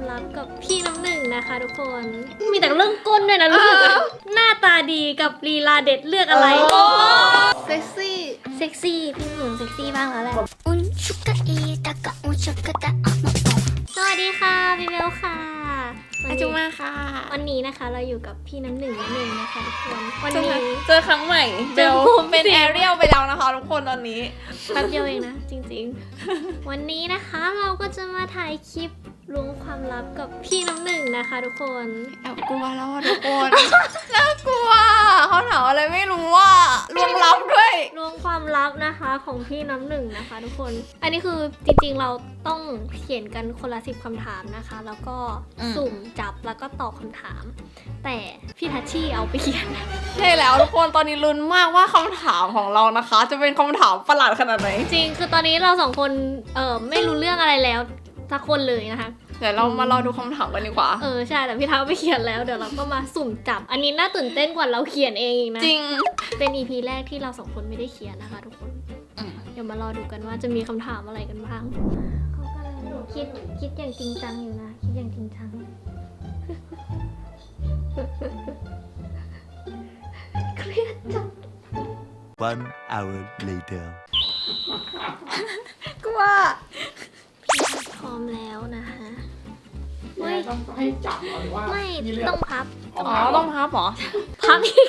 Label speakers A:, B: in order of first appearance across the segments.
A: ลับกับพี่น้ำหนึ่งนะคะทุกคน มีแต่เรื่องก้นด้วยนะรู้สึกหน้าตาดีกับลีลาเด็ดเลือกอะไร
B: เซ็กซี่
A: เซ็กซี่พี่หนุ่มเซ็กซี่บ้างแล้วแหละสวัสดีค่ะพี่เบลค่ะ
B: อาจุมาค่ะ
A: วันนี้นะคะเราอยู่กับพี่น้ำหนึ่งนั่นเองนะคะทุกคนวันนี้
B: เจอครั้งใหม่เบลเป็นแอเรียลไปแล้วนะคะทุกคนตอนนี้
A: แป๊บเดียวเองนะจริงๆวันนี้นะคะเราก็จะมาถ่ายคลิปล้วงความลับกับพี่น้ำหนึ่งนะคะทุกคน
B: แอบกลัวแล้วทุกคนน่ากลัวเขาถามอะไรไม่รู้ว่าล้วงลับด้วย
A: ล้วงความลับนะคะของพี่น้ำหนึ่งนะคะทุกคนอันนี้คือจริงๆเราต้องเขียนกันคนละ10คำถามนะคะแล้วก็สุ่มจับแล้วก็ตอบคำถามแต่พี่ทัชชี่เอาไปเขียน
B: ใช่แล้วทุกคนตอนนี้ลุ้นมากว่าคำถามของเรานะคะจะเป็นคำถามประหลาดขนาดไหน
A: จริงคือตอนนี้เราสองคนไม่รู้เรื่องอะไรแล้วสักคนเลยนะคะ
B: เดี๋ยวเรามารอดูคำถามกันดีกว่า
A: ใช่แต่พี่ท้าไปเขียนแล้วเดี๋ยวเราก็มาสุ่มจับอันนี้น่าตื่นเต้นกว่าเราเขียนเองอีกนะ
B: จริง
A: เป็น EP แรกที่เราสองคนไม่ได้เขียนนะคะทุกคนเดี๋ยวมารอดูกันว่าจะมีคำถามอะไรกันบ้างเขากำลังคิดอย่างจริงจังอยู่นะคิดอย่างจริงจังเครียดจัง
C: 1 hour later
B: กลัว
A: พร้อมแล้วนะคะ
D: ต้องให้จับหรือว่า
A: ไม่ต้องพับ
B: ต้องพับเหรอ
A: พับอีก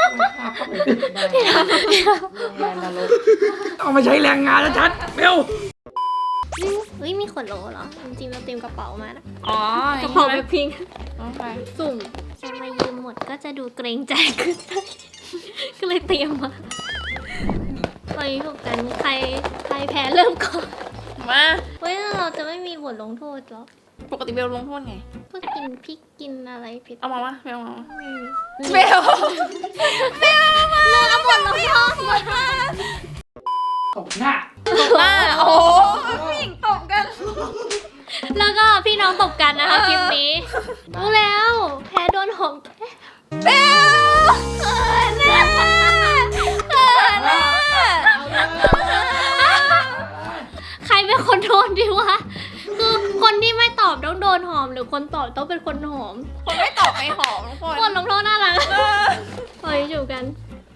D: เอามาใช้แรงงานแล้วชัดเบล
A: มีขวดโหลเหรอจริงๆเราเตรียมกระเป๋ามานะ
B: ก
A: ระเป๋าแบบพิง
B: ไป
A: สุ่มจะมายืมหมดก็จะดูเกรงใจขึ้นก็เลยเตรียมมาไปถูกกันใครแพ้เริ่มก่อน
B: มา
A: เราจะไม่มีบทลงโทษหรอ
B: ปกติเบลลงโทษไง
A: ก็กินพริกกินอะไรผิด
B: เอามาวะเบลมา
A: เบลเลิกเอาบทลงโทษ
D: ตบหน้า
B: โอ้ผู้หญิงตบกัน
A: แล้วก็พี่น้องตบกันนะคะคลิปนี้รู้แล้วแพ้โดนหอม
B: เบล
A: ใครเป็นคนโดนดีวะคือคนที่ไม่ตอบต้องโดนหอมหรือคนตอบต้องเป็นคนหอม
B: คนไม่ตอบไม่หอมทุกคน
A: คนลงโทษน่ารักปล่อยอยู่กัน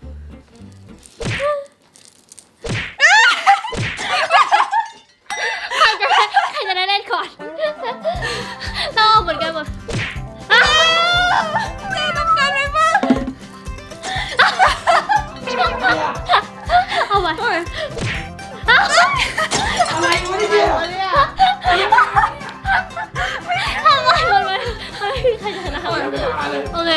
A: ใครจะได้เล่นก่อนต้องเหมือนกันหมด
B: เจ๊ต้องการไหมบ้าง
A: เอาไป
D: อะไรวะเนี่ย
A: ทำไมมันไม่ใครจะนะโอเค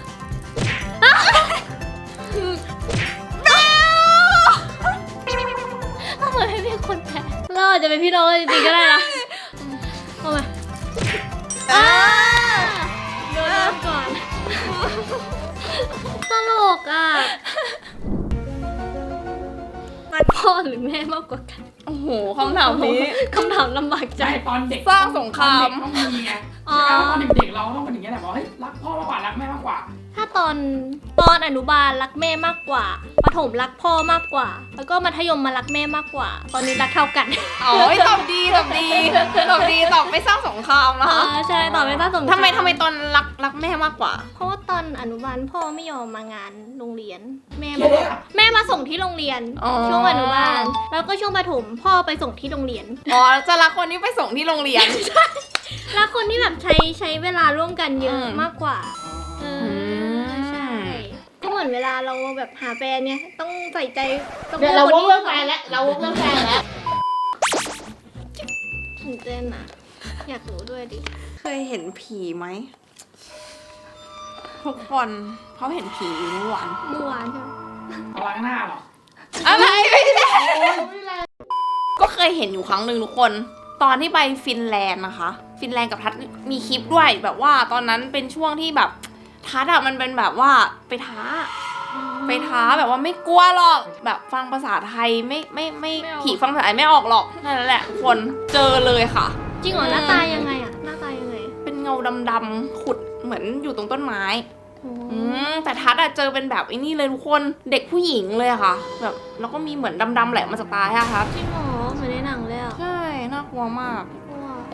A: ทำไมไม่เป็นคนแพ้เราอาจจะเป็นพี่น้องจริงๆก็ได้นะเอาไปโดนก่อนตลกอ่ะพ่อหรือแม่มากกว่ากัน
B: โอ้โหคำถามนี้
A: คำถามลำบากใจ
D: ตอนเด็ก
B: สร้างสงคราม
D: ต้องมีไงตอนเด็กๆเราต้องเป็นอย่างนี้แหละบอกเฮ้ยรักพ่อมากกว่ารักแม่มากกว่า
A: ถ้าตอนอนุบาลรักแม่มากกว่าประถมรักพ่อมากกว่าแล้วก็มัธยมมารักแม่มากกว่าตอนนี้รักเท่ากัน
B: ตอบดีตอบไม่สร้างสงครามนะคะ
A: ใช่ตอบไม่สร้างสงคราม
B: ทำไมตอนรักแม่มากกว่า
A: เพราะว่าตอนอนุบาลพ่อไม่ยอมมางานโรงเรียนแม่มาส่งที่โรงเรียนช่วงอนุบาลแล้วก็ช่วงประถมพ่อไปส่งที่โรงเรียน
B: จะรักคนที่ไปส่งที่โรงเรียน
A: รักคนที่แบบใช้เวลาร่วมกันเยอะมากกว่าใช่ก็เหมือนเวลาเราแบบหาแฟนเนี่ยต้องใส่ใจต้อง
B: เราวกเรื่องแฟนแล้ว
A: ตื่นเต้นอ่ะอยากรู้ด้วยดิ
B: เคยเห็นผีไหมทุกคนเขาเห็นผีเมื่อวาน
A: ใช่ไหม
D: ล้างหน้าหรอ
B: อะไรไม่ใช่ก็เคยเห็นอยู่ครั้งหนึ่งทุกคนตอนที่ไปฟินแลนด์นะคะฟินแลนด์กับทัศมีคลิปด้วยแบบว่าตอนนั้นเป็นช่วงที่แบบทัศมันเป็นแบบว่าไปท้าแบบว่าไม่กลัวหรอกแบบฟังภาษาไทยไม่ผีฟังภาษาไทยไม่ออกหรอกนั่นแหละทุกคนเจอเลยค่ะ
A: จริงเหรอหน้าตายังไงอ่ะหน้าตายังไง
B: เป็นเงาดำๆขุดเหมือนอยู่ตรงต้นไม้แต่ทัศเจอเป็นแบบไอ้นี่เลยทุกคนเด็กผู้หญิงเลยค่ะแบบแล้วก็มีเหมือนดำๆแหลมมาจากตาค่ะทัศ
A: จริงเหรอเหมือนในหนังเลยอ่ะ
B: ใช่น่ากลัวมาก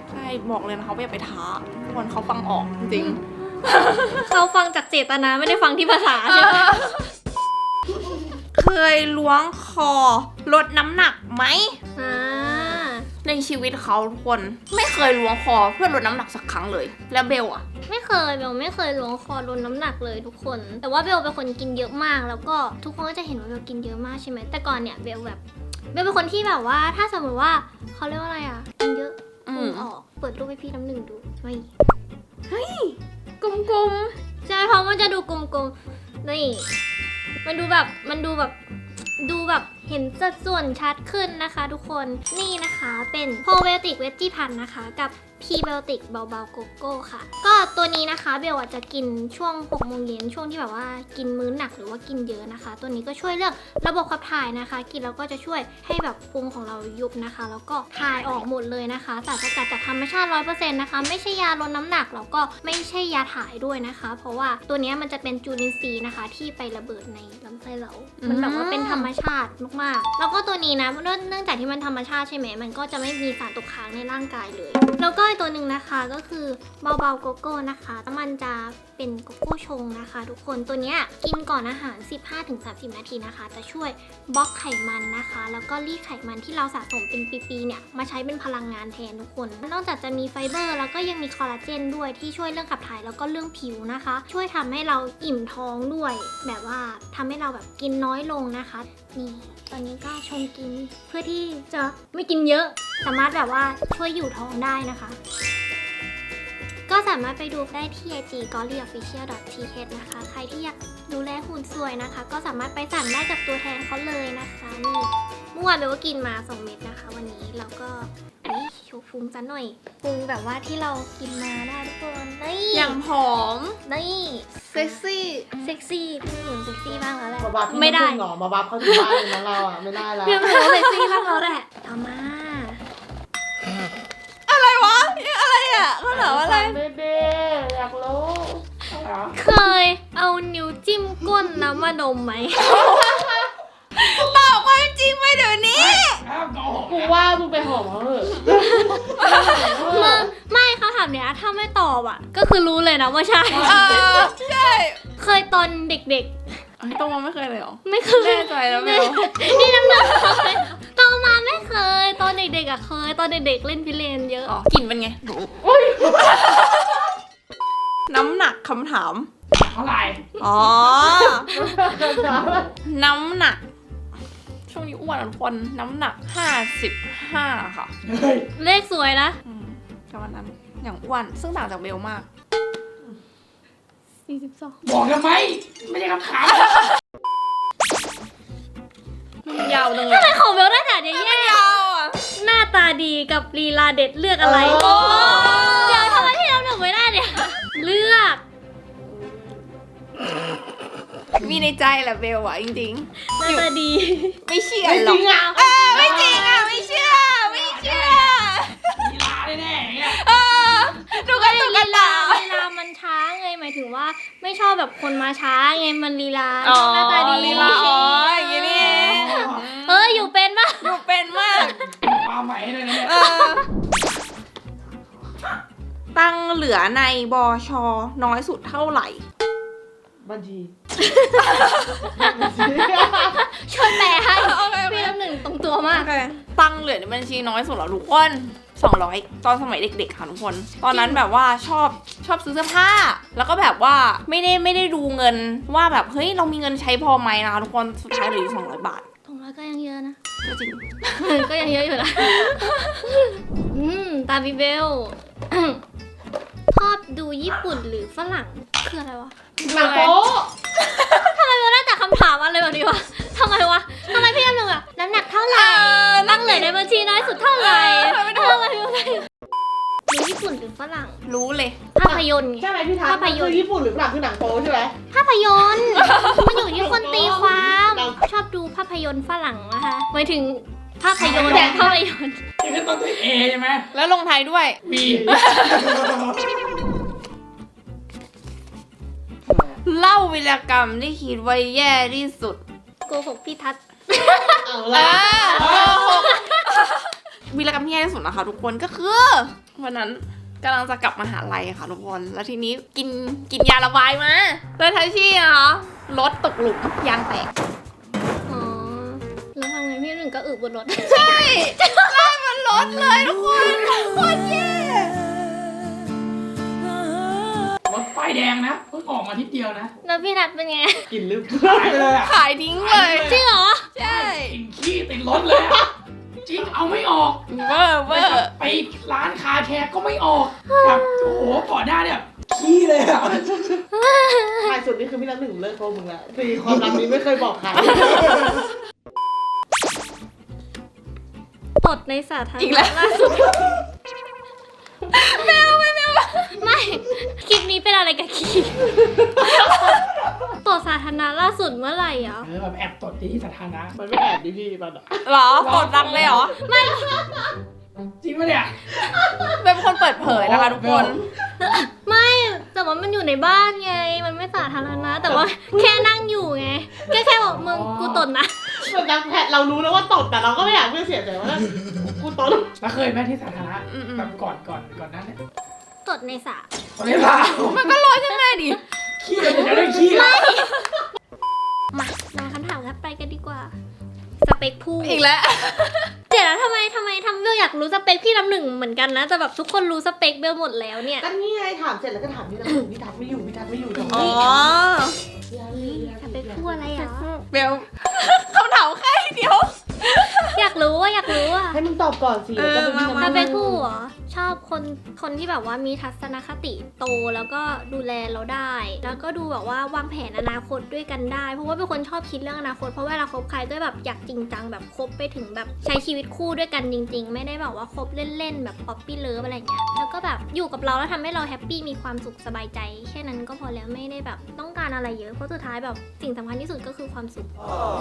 B: ใช่บอกเลยนะเขาอย่าไปท้าทุกคนเขาฟังออกจริง
A: เขาฟังจากเจตนาไม่ได้ฟังที่ภาษาใช่ไหม
B: เคยล้วงคอลดน้ำหนักไหม
A: อ่า
B: ในชีวิตเขาทุกคนไม่เคยล้วงคอเพื่อลดน้ำหนักสักครั้งเลย แล้วเบลอะ
A: ไม่เคยเบลไม่เคยล้วงคอลดน้ำหนักเลยทุกคน แต่ว่าเบลเป็นคนกินเยอะมาก แล้วก็ทุกคนก็จะเห็นว่าเบลกินเยอะมากใช่ไหมแต่ก่อนเนี่ยเบลเป็นคนที่แบบว่าถ้าสมมติว่าเขาเรียกว่าอะไรอ่ะกินเยอะพุงออกเปิดรูปให้พี่น้ำหนึ่งดูไม่
B: กลม
A: ใช่เพราะมันจะดูกลมๆนี่มันดูแบบเห็นสัดส่วนชัดขึ้นนะคะทุกคนนี่นะคะเป็นโพเบลติกเวจจี้พันนะคะกับพีเบลติกเบาๆโกโก้ค่ะก็ตัวนี้นะคะเบลอาจจะกินช่วง6โมงเย็นช่วงที่แบบว่ากินมื้อหนักหรือว่ากินเยอะนะคะ ตัวนี้ก็ช่วยเรื่องระบบขับถ่ายนะคะ กินแล้วก็จะช่วยให้แบบพุงของเรายุบนะคะ แล้วก็ถ่ายออกหมดเลยนะคะสารสกัดจากธรรมชาติ 100% นะคะไม่ใช่ยาลดน้ำหนักแล้วก็ไม่ใช่ยาถ่ายด้วยนะคะ เพราะว่าตัวนี้มันจะเป็นจุลินทรีย์นะคะ ที่ไประเบิดในลำไส้เรา มันแบบว่าเป็นธรรมชาติมากๆ แล้วก็ตัวนี้นะเนื่องจากที่มันธรรมชาติใช่ไหมมันก็จะไม่มีสารตกค้างในร่างกายเลย แล้วก็อีกตัวหนึ่งนะคะก็คือเบาๆโกโก้นะคะมันจะเป็นโกโก้ชงนะคะ ทุกคนตัวเนี้ยกินก่อนอาหาร 15-30 นาทีนะคะจะช่วยบล็อกไขมันนะคะ แล้วก็รีดไขมันที่เราสะสมเป็นปีๆเนี่ยมาใช้เป็นพลังงานแทนทุกคนนอกจากจะมีไฟเบอร์แล้วก็ยังมีคอลลาเจนด้วยที่ช่วยเรื่องขับถ่ายแล้วก็เรื่องผิวนะคะ ช่วยทำให้เราอิ่มท้องด้วย แบบว่าทำให้เราแบบกินน้อยลงนะคะนี่ตอนนี้ก็ชงกินเพื่อที่จะไม่กินเยอะสามารถแบบว่าช่วยอยู่ท้องได้นะคะ ก็สามารถไปดูได้ที่ IG gollyofficial.th นะคะใครที่อยากดูแลหุ่นสวยนะคะ ก็สามารถไปสั่งได้กับตัวแทนเขาเลยนะคะนี่เมื่อวานเบลก็กินมา2 เม็ดนะคะ วันนี้เราก็โชว์พุงซะหน่อยพุงแบบว่าที่เรากินมาได้ทุกคนนี่
B: ๆอย่างผอม
A: นี่
B: เซ็กซี่
A: เซ็กซี่พี่หนูเซ็กซี่บ้างแล้วแหละ
E: มาบัฟพี่
A: ไม่ได้
E: น้ำผึ้งเหรอมาบัฟเขาถึงบ้านเลยนะเราอ่ะไม่ได้แล้ว
A: พี่หนูเซ็กซี่บ้างแล้วแหละเอามา
B: อะไรวะอะไรอ่ะเขาถามอะไร
E: เบๆอยากรู้
D: อะไรวะ
A: เคยเอานิ้วจิ้มก้นน้ำมาดมไหม
B: ตอบความจริงไปเดี๋ยวนี้
D: อ้าวโกหก
E: กู
D: นะ
E: ว่ามึงไปหอมเขาเถอะ
A: ไม่เขาถามเนี้ยถ้าไม่ตอบอ่ะ ก็คือรู้เลยนะว่าใช่
B: ใช่
A: เคยตอนเด็ก
B: ไอ้ตรงมาไม่เคยเลยเหรอ
A: ๆ ไม่เคย
B: แน่ใจแล้วเบล
A: นี่น้ำหนักเคยโตมาไม่เคย ตอนเด็กๆอ่ะเคย ตอนเด็กๆเล่นพิเรนเยอะ
B: อ๋อกลิ่นเป็นไง น้ำหนักคำถาม
D: เท่าไหร่
B: อ๋อ น้ำหนัก ช่วงนี้อ้วนอะทุกคน น้ำหนัก 55 ค่ะ
D: เฮ้ย
A: เลขสวยนะ
B: แต่วันนั้นอย่างอ้วน ซึ่งต่างจากเบลมาก
A: 42
D: บอกทำไมไม่ใช่คำถาม
B: ยาวจังเล
A: ทำไม
B: ย
A: ของเบลได้แต่เนี้ยแย่
B: ยาวอ่ะ
A: หน้าตาดีกับลีลาเด็ดเลือกอะไร
E: โอ้
A: เดี๋ยวทำไมพี่น้ำหนึ่งไม่ได้เนี่ย เลือก
B: มีในใจแหละเบลอ่ะจริง
A: หน้าตาดี
B: ๆ ไม่เชื่อ
E: ไม่
B: ห
E: จ
B: รอ
E: ริ
B: ก
E: งอ่ะ
B: ไม่จริงอ่ะ ไม่เชื่อ ไม่เชื่อ
D: กีฬาแน่ๆอย่างเงี้ย
B: ดูกันตุกกันตา
A: ลีลามันช้าไงหมายถึงว่าไม่ชอบแบบคนมาช้าไงมันลีลา
B: อ๋อ
A: หน้าตาดี
B: ลีลาอ๋ออย่างงี้นี่เอง
A: อยู่เป็นปะ
B: อยู่เป็นมาก
D: ความหมายเลยนะเนี่ย
B: ตั้งเหลือในบชน้อยสุดเท่าไหร่
E: บัญชี
A: ช่วยแปลให้
B: โอเค
A: พี่น้ำหนึ่งตรงตัวมาก
B: ตั้งเหลือในบัญชีน้อยสุดเหรอทุกคน 200 ตอนสมัยเด็กๆค่ะทุกคน ตอนนั้นแบบว่าชอบซื้อเสื้อผ้า แล้วก็แบบว่าไม่ได้ดูเงินว่าแบบเฮ้ยเรามีเงินใช้พอไหมนะคะทุกคน สุดท้ายเหลืออยู่200 บาท
A: ตรงแล้วก็ยังเยอะนะ
B: ก็จริง
A: ก็ยังเยอะอยู่นะตาบิเบล ชอบดูญี่ปุ่นหรือฝรั่งคืออะไรวะ
E: หนังโป๊ะ
A: ทำไมเราได้แต่คำถามอะไรแบบนี้วะทำไมวะทำไมพี่น้ำหนึ่งอะน้ำหนักเท่าไหร่ตั้งเหลือในบัญชีน้อยสุดเท่าไหร่ทำไมดูญี่ปุ่นหรือฝรั่ง
B: รู้เลย
A: ภาพยนตร์ไง
E: ใช่ไหมพี่ทัศ
A: ภา
E: น์
A: พยนตร์
E: คือญี่ปุ่นหรือฝรั่งคือหนังโป๊ใช่ไหม
A: ภาพยนตร์ มันอยู่ที่คนตีความ ชอบดูภาพยนตร์ฝรั่งนะคะหมายถึงภาพยนตร์ภาพยนตร์
D: นี่คือต้นด้วยเอใช่ไหม
B: แล้วลงท้ายด้วย
D: บี
B: เล่าวีรกรรมที่คิดว่าแย่ที่สุด
A: โกหกพี่ทัศน์
E: เอา
B: เอ
E: ละ
B: อวีรกรรมที่แย่ที่สุดนะคะทุกคนก็คือวันนั้นกำลังจะกลับมหาลัยค่ะทุกคนแล้วทีนี้กินยาระบายมาแล้วทัชชี่นะคะรถตกหลุมยางแตก
A: อ๋อ แล้วทำไงพี่หนึ่งก็อึบนรถ
B: ใช่ไล่มันรถเลยทุกคนโคตรแย่
D: รถไฟแดงนะเพิ่งออกมาทิศเดียวนะ
A: แล้วพี่นัทเป็นไง
E: กลิ่นลืม
D: หายไปเลยอ่ะ
B: ขายทิ้งเลย
A: จริงเหรอ
B: ใช่
D: กลิ่นขี้ติดรถเลยอะจริงเอาไม่ออก
B: เวอร์เวอร์
D: ไปร้านคาแคร์ก็ไม่ออกแบบโอ้โหก่อนหน้าเนี่ยขี้เลยอะ
E: ท้ายสุดนี่คือพี่น้ำหนึ่งเลิกโกงมึงแล้วคือความลับนี้ไม่เคยบอกใคร
A: ตดในสาธาร
B: อีก
A: ณะ
B: แล้ว
A: ล่าสุด ไม่ คลิปนี้เป็นอะไรกับขี้ตดสาธารณะล่าสุดเมื่อไหร่อ่ะ
D: แบบแอบตดที่สาธารณะ
E: มันไม่แอบดิพี่มันอะ
B: เหรอตดดังเลยเหรอ
D: จริงปะเนี่ย
B: เป็นคนเปิดเผยนะคะทุกคน
A: ไม่ แต่ว่ามันอยู่ในบ้านไง มันไม่สาธารณะ แต่ว่าแค่นั่งอยู่ไง แค่บอกมึงกูตดนะ
E: เหมือนกันแพทเรารู้แล้วว่าตดแต่เราก็ไม่อยากเพื่อนเสียใจว่ากูตด
D: แล้วเคยไหมที่สาธารณะ
B: อืม
D: แบบก่อนนั้นเนี่ย
A: ตดในสระ
D: ตอนนี้เปล่า
B: มันก็ลอยขึ้นมาดิ
D: ขี้เลยจะได้ขี้แล้ว
A: มาลองคำถามกันไปกันดีกว่า สเปคผู้
B: อีกแล้ว
A: เดี๋ยวแล้วทำไมเบลอยากรู้สเปคพี่น้ำหนึ่งเหมือนกันนะแต่แบบทุกคนรู้สเปคเบลหมดแล้วเนี่ย
E: ก็นี่ไงถามเสร็จแล้วก็ถามพี่น้ำหนึ่งพี่ทักไม่อยู่พี่ทักไม่อยู่ตรง
B: อ๋อ
E: นี้
A: สเปคผู้อะไรอ่ะ
B: เบลคำถามแค่เดียว
A: อยากรู้ว่าอยากรู้อ่ะ
E: ให้มึงตอบก่อนสิแล้วก็เป็นพี่
A: ส
E: น้ำห
A: เป
E: นึ่
A: ค
E: ง
A: ผู้เหรอชอบคนที่แบบว่ามีทัศนคติโตแล้วก็ดูแลเราได้ แล้วก็ดูแบบว่าวางแผนอนาคตด้วยกันได้เพราะว่าเป็นคนชอบคิดเรื่องอนาคตเพราะเวลาคบใครก็แบบอยากจริงจังแบบคบไปถึงแบบใช้ชีวิตคู่ด้วยกันจริง ๆ ไม่ได้แบบว่าคบเล่นๆแบบป๊อปปี้เลิฟอะไรเงี้ยแล้วก็แบบอยู่กับเราแล้วทำให้เราแฮปปี้มีความสุขสบายใจแค่นั้นก็พอแล้วไม่ได้แบบต้องการอะไรเยอะเพราะสุดท้ายแบบสิ่งสำคัญที่สุดก็คือความสุข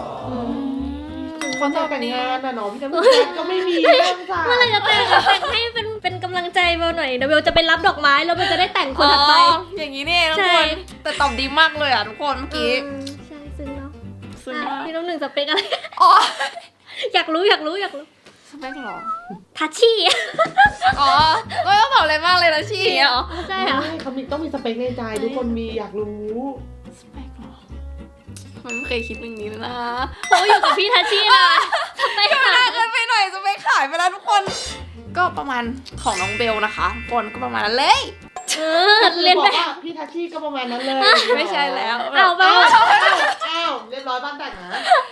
E: คนจะแต่งงานน่ะเนาะพี่น้ำหนึ่งก็ไม่มีเรื่องจ้า
A: เมื่อไหรจะแต่งให้เป็นกำลังใจเบลหน่อยเดี๋ยวเบลจะไปรับดอกไม้แล้วเบลจะได้แต่งคนถัดไป
B: อย่างนี้นี่เองทุก
A: ใช่
B: คน แต่ตอบดีมากเลยอ่ะทุกคนเมื่อกี้
A: ใช่ซึ้งเนาะ
B: ซึ้ง
A: อ่ะ
B: มาก
A: พี่น้ำหนึ่งสเปคอะไร
B: อ๋อ
A: อยากรู้
B: สเปคเหรอ
A: ทัชชี่
B: อ๋อไม่ต้องตอบอะไรมากเลยนะชี่อย่างเงี้ยเหรอ
A: ใช่เหรอ
E: เขามีต้องมีสเปคในใจทุกคนมีอยากรู้
B: สเปคเหรอมันไม่เคยคิดเรื่องนี้เลยนะ
A: โอ้อยู่กับพี่ทัชชี่นะสเปค
B: ก็
A: อะ
B: น่าเกินไปหน่อยสเปคขายไปแล้วทุกคน ก็ประมาณของน้องเบลนะคะทุกคนก็ประมาณนั้นเลย
A: เรียน
E: บ
A: แบ
E: อก
A: บ
E: ว่าพี่ทัชชี่ก็ประมาณนั้นเลย
B: ไม่ใช่แล้ว
A: เอาไป
E: อ้าวเรียบร้อยบ้านแต่งนะ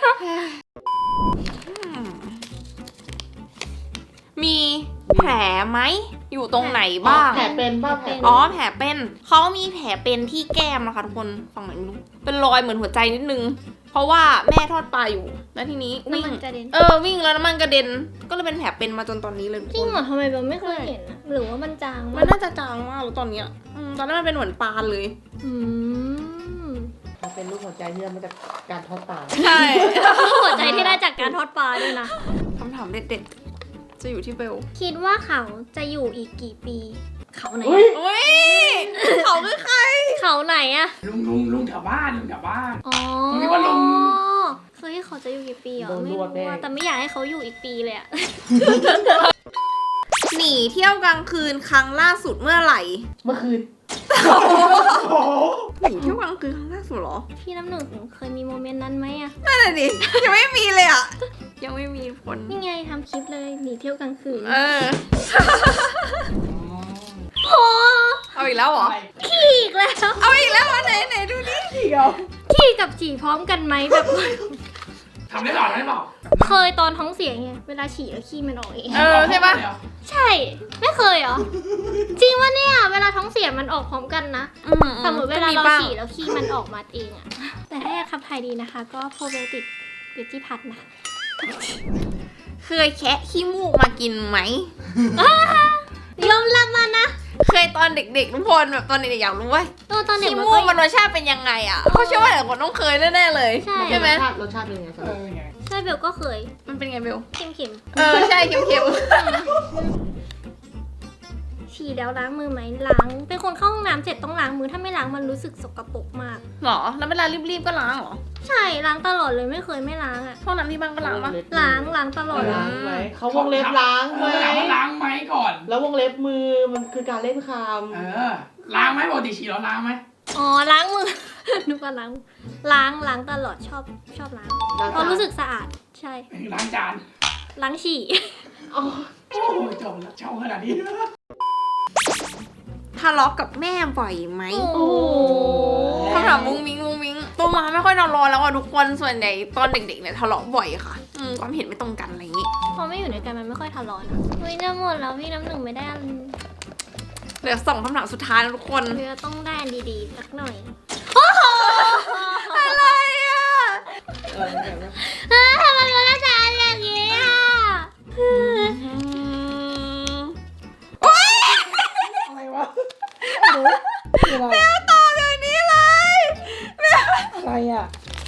B: มีแผลไหมอยู่ตรงไหนบ้าง
E: แผลเป็นบ้าแผล
B: อ๋อแผลเป็นเขามีแผลเป็นที่แก้มนะคะทุกคนฝั่งไหนไม่รู้เป็นรอยเหมือนหัวใจนิดนึง เพราะว่าแม่ทอดปลาอยู่แล้วทีนี้วิ่ง
A: น้ำมันกระเด็น
B: วิ่งแล้วน้ำมันกระเด็น ก็เลยเป็นแผลเป็นมาจนตอนนี้เลยทุก
A: จริ
B: ค
A: ง
B: น
A: เหรอทำไมเบลไม่เคยเห็นอะหรือว่ามันจาง
B: มันน่าจะจางมากแล้วตอนเนี้ยตอนนั้นมันเป็นเหมือนปลาเลย
A: อืม
E: มันเป็นรูปหัวใจที่มาจากการทอดปลา
B: ใช่
A: หัวใจที่ได้จากการทอดปลาด้วยนะ
B: คำถามเด็ดๆจะอยู่ที่เบล
A: คิดว่าเขาจะอยู่อีกกี่ปี เขาไหน
E: เฮ้ย
B: อุ้ยเขาคือใคร
A: เขาไหนอะ
D: ลุงแถวบ้าน
A: อ๋อ
D: ผมคิดว่าลง
A: เคยให้เขาจะอยู่กี่ปีเหรอ
E: โดน
A: ไม่
E: รวด
A: รู้
E: แน่
A: อะแต่ไม่อยากให้เขาอยู่อีกปีเลยอะ
B: หนีเที่ยวกลางคืนครั้งล่าสุดเมื่อไหร่
E: เมื่อคืน
D: โอ้โห
B: หนีเที่ยวกลางคืนครั้งล่าสุดเหรอ
A: พี่น้ำหนึ่งเคยมีโมเมนต์นั้นไหมอะ
B: นั่นแหละดิยังไม่มีเลยอ่ะยังไม่มีผล
A: นี่ไงทำคลิปเลยหนีเที่ยวกลางคืน โอ้
B: เอาอีกแล้วเหรอ
A: ขี่อีกแล้ว
B: เอาอีกแล้วอันไหนดูดิ
A: ขี่กับฉี่พร้อมกันไหมแบบ
D: ทำได้หรอได้เปล่า
A: เคยตอนท้องเสียไงเวลาฉี่แล้วขี้มันออกเอง
B: ใช่ปะ
A: ใช่ ไม่เคยเหรอ จริงวะเนี่ย เวลาท้องเสียมันออกพร้อมกันนะ สมมติเวลาเราฉี่แล้วขี้มันออกมาเองอะแต่ถ้าอยากขับถ่ายดีนะคะ ก็โปรไบโอติกเวจิพัทนะ
B: เคยแคะขี้มูกมากินไหม
A: ยอมรับมานะ
B: เคยตอนเด็กๆทุกคนแบบตอนเด็กๆอยากรู้ว่า
A: ตอนเด็ก
B: ขี้
A: มัน
B: มู
A: ก็
B: กมันรสชาติเป็นยังไงอ่ะเขาเชื่อว่าหลายคนต้องเคยแน่ๆเลย
A: ใช่
B: ไหม
E: รสชาติเป็นยังไงสำหรับ
D: ไง
A: ใช่เบลก็เคย
B: มันเป็นไงเบล
A: เค็ม
B: ใช่เค็ม
A: ๆฉี่แล้วล้างมือไหมล้างเป็นคนเข้าห้องน้ำเสร็จต้องล้างมือถ้าไม่ล้างมันรู้สึกสกปรกมาก
B: หรอ แล้วเวลารีบๆก็ล้างเหรอ
A: ใช่ล้างตลอดเลยไม่เคยไม่ล้างอะ
B: ห้องน้ำที่บ้านก็ล้างปะ
A: ล้างตลอด
E: ล้างไหมเขาวงเล็บล้างไหม
D: ถามว่าล้างไหมก่อน
E: แล้ววงเล็บมือมันคือการเล่นค
D: ล้างไหมปกติฉี่เราล้างไหม
A: อ๋อล้างมือ นึกว่าล้างตลอดชอบล้าง
E: ำล้าง
A: เพราะรู้สึกสะอาดใช่
D: ล้างจาน
A: ล้างฉี่
E: อ๋อ
D: โอ้ยจบแล้วเช่าขนาดนี้
B: ทะเลาะกับแม่บ่อยไหม
A: โอ้โห
B: คำถามมุ้งมิ้งโตมาไม่ค่อยนอนรอแล้วอ่ะทุกคนส่วนใหญ่ตอนเด็กๆเนี่ยทะเลาะบ่อยค่ะความเห็นไม่ตรงกันอะไรอย่างงี้
A: พอไม่อยู่ด้วยกันมันไม่ค่อยทะเลาะนะเฮ้ยน้ำหมดแล้วพี่น้ำหนึ่งไม่ได้อัน
B: เหลือ2คำถามสุดท้ายนะทุกคน
A: เรือต้องได้อันดีๆสักหน่อย
B: อะไรอ่ะ
A: ทำไมมันน่าจะอันอย่างนี้อ่ะ
D: อะไรวะ
B: แมวตอบเดี๋ยวนี้เลยแมว
D: อะไรอ่ะ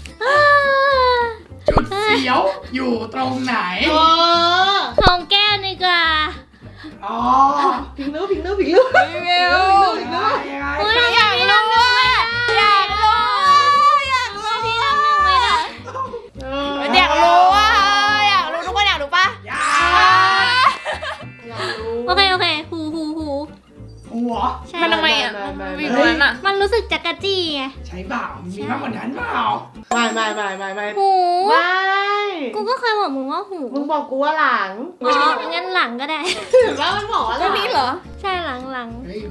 D: จุดเสียวอยู่ตรงไหน
E: อ๋อ
A: ของแก้วดีกว่า
D: อ๋อ
E: พิงนู้พิงนู้
B: แมว
D: ยังไง
A: เฮ้ย
B: อยากรู้อ่ะอยากรู้พี่น้ำหนึ่งไม่ได้อยากรู้อ่ะอยากรู้ทุกคนอยากรู้ปะ
D: ยา
E: อยากรู้
A: โอเคหู
D: หัว
A: ใช่
B: มันทำไมอ่ะมีตรงนั้นอ่ะ
A: มันรู้สึกจักรจี้ไง
D: ใช้เปล่ามีมากกว่านั้นเปล่า
E: ไม่
A: หู
E: ไม่
A: กูก็เคยบอกมึงว่าหู
E: มึงบอกกูว่าหลัง
A: อ๋องั้นหลังก็ได้
E: เห็นว่ามันบอกว่าห
B: ก็
E: ลัง
B: นี้เหรอ
A: ใช่หลัง
D: เฮ้ย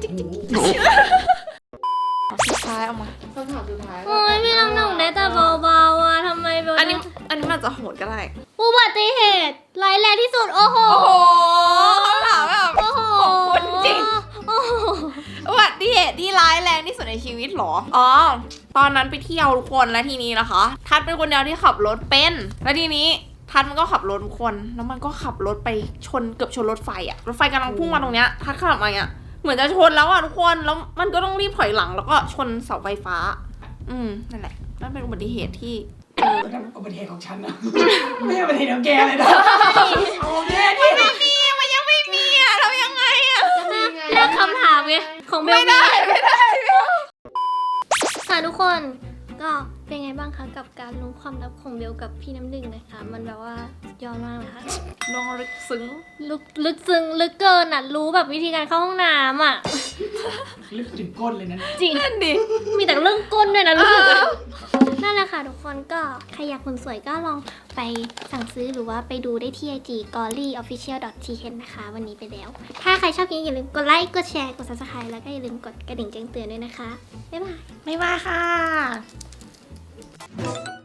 D: หู
B: สุดท้ายเอามา
E: คำถามสุดท้าย
A: โอ้ยพี่น้ำหนึ่งได้แต่เบาๆอ่ะทำไมเบล
B: อันนี้มันอาจจะโหดก็ได้
A: อุบัติเหตุร้ายแรงที่สุดโอ้โห
B: โอ้โหคำถามแบบ
A: โอ้โห
B: ขอบคุณจริง
A: โอ้โห
B: อุบัติเหตุที่ร้ายแรงที่สุดในชีวิตเหรอ อ๋อ ตอนนั้นไปเที่ยวทุกคนแล้วทีนี้นะคะ ทัดเป็นคนเดียวที่ขับรถเป็น แล้วทีนี้ทัดมันก็ขับรถทุกคน แล้วมันก็ขับรถไปเกือบชนรถไฟอะรถไฟกำลังพุ่งมาตรงเนี้ย ทัดขับมาเนี้ยเหมือนจะชนแล้วอะทุกคน แล้วมันก็ต้องรีบถอยหลังแล้วก็ชนเสาไฟฟ้า นั่นแหละ นั่นเป็นอุบัติเหตุที่
D: นั่นอุบัติเหตุของฉันนะไม่ใช่อุบัติเหตุของแกเลยนะโอเคนี่
B: มันยังไม่มีอะเรายังไงอะ
A: เลือกคำถามไงของเบล
B: ไม่ได้
A: ค่ะทุกคนก็เป็นไงบ้างคะกับการรู้ความลับของเบลกับพี่น้ำหนึ่งนะคะ มันแบบว่ายอดมากนะคะ
B: น้องลึกซึ้ง
A: ลึกซึ้งลึกเกินอ่ะรู้แบบวิธีการเข้าห้องน้ำอ่ะ
D: ลึกถึงก้นเลยนะ
A: จริง
B: นั่นดิ
A: มีแต่เรื่องก้นด้วยนะรู้สึกอะนั่นแหละค่ะทุกคนก็ใครอยากคนสวยก็ลองไปสั่งซื้อหรือว่าไปดูได้ที่ IG gollyofficial.th นะคะ วันนี้ไปแล้ว ถ้าใครชอบคลิปนี้อย่าลืมกดไลค์กดแชร์กด subscribe แล้วก็อย่าลืมกดกระดิ่งแจ้งเตือนด้วยนะคะบ๊ายบาย
B: ไม่ว่าค่ะ